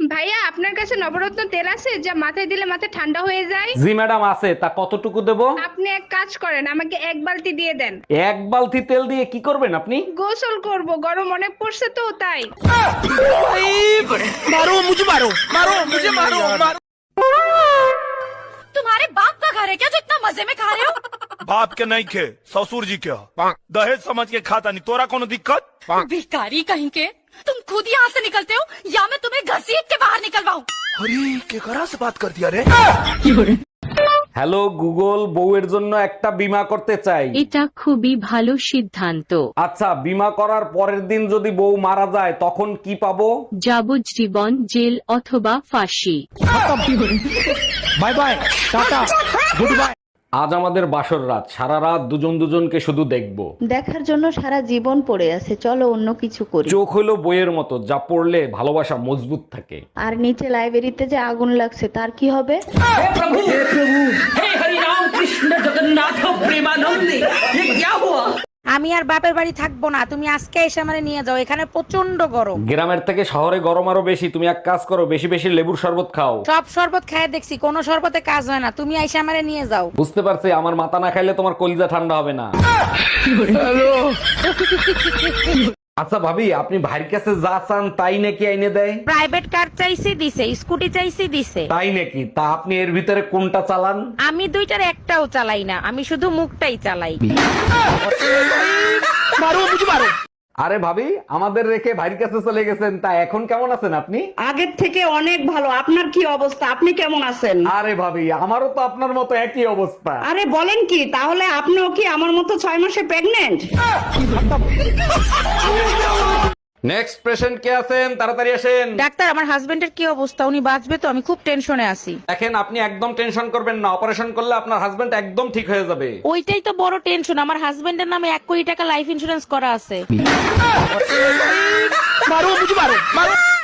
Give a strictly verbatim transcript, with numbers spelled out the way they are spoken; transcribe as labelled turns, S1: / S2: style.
S1: ভাইয়া আপনার কাছে নবরত্ন তেল আছে যা মাথায় দিলে মাথা ঠান্ডা হয়ে যায়?
S2: জি ম্যাডাম আছে, তা কতটুকু দেব?
S1: আপনি এক কাজ করেন, আমাকে এক বালতি দিয়ে দেন।
S2: এক বালতি তেল দিয়ে কি করবেন আপনি?
S1: গোসল করব, গরম অনেক পড়ছে তো তাই।
S3: तुम्हारे बाप का घर है क्या जो इतना मजे में खा रहे हो?
S4: बाप के नहीं खे ससुर जी के ह। दहेज समझ के खाता नहीं तोरा कोनो दिक्कत?
S3: भिखारी कहीं के, तुम खुद यहाँ से निकलते हो या मैं तुम्हें घसीट के बाहर निकलवाऊं?
S4: अरे केकरा से बात कर दिया रे?
S2: হ্যালো গুগল, বউয়ের জন্য একটা বীমা করতে চাই।
S5: এটা খুবই ভালো সিদ্ধান্ত।
S2: আচ্ছা, বীমা করার পরের দিন যদি বউ মারা যায় তখন কি পাবো?
S5: যাবজ্জীবন জেল অথবা ফাঁসি।
S2: Bye bye, tata, goodbye. আজ আমাদের বাসর রাত, সারা রাত দুজন দুজনকে শুধু দেখবো।
S6: দেখার জন্য সারা জীবন পড়ে আছে, চলো অন্য কিছু করি।
S2: চোখ হলো বইয়ের মতো, যা পড়লে ভালোবাসা মজবুত থাকে।
S6: আর নিচে লাইব্রেরিতে যে আগুন লাগছে তার কি হবে?
S7: আমি আর বাপের বাড়ি থাকবো না, তুমি আজকে এসে আমারে নিয়ে যাও, এখানে প্রচন্ড গরম।
S2: গ্রামের থেকে শহরে গরম আরো বেশি। তুমি এক কাজ করো, বেশি বেশি লেবুর শরবত খাও।
S7: সব শরবত খায় দেখছি, কোনো শরবতে কাজ হয় না, তুমি এসে আমারে নিয়ে যাও।
S2: বুঝতে পারছি, আমার মাথা না খাইলে তোমার কলিজা ঠান্ডা হবে না। আচ্ছা ভাবি, আপনি ভাইয়ের কাছে যা চান তাই নাকি আইনে দেয়?
S7: প্রাইভেট কার চাইছি দিছে, স্কুটি চাইছি দিছে।
S2: তাই নাকি? তা আপনি এর ভিতরে কোনটা চালান?
S7: আমি দুইটার একটাও চালাই না, আমি শুধু মুখটাই চালাই।
S2: আরে ভাবি, আমাদের রেখে ভাইয়ের কাছে চলে গেছেন, তা এখন কেমন আছেন আপনি?
S8: আগের থেকে অনেক ভালো। আপনার কি অবস্থা? আপনি কেমন আছেন?
S2: আরে ভাবি, আমারও তো আপনার মতো একই অবস্থা।
S8: আরে বলেন কি, তাহলে আপনিও কি আমার মতো ছয় মাসে প্রেগনেন্ট?
S2: নেক্সট পেশেন্ট কে আছেন? তাড়াতাড়ি আসেন।
S7: ডাক্তার, আমার হাজবেন্ডের কি অবস্থা? উনি বাঁচবে তো? আমি খুব টেনশনে আছি।
S2: দেখেন, আপনি একদম টেনশন করবেন না, অপারেশন করলে আপনার হাজবেন্ড একদম ঠিক হয়ে যাবে।
S7: ওইটাই তো বড় টেনশন, আমার হাজবেন্ডের নামে এক কোটি টাকা লাইফ ইন্সুরেন্স করা আছে।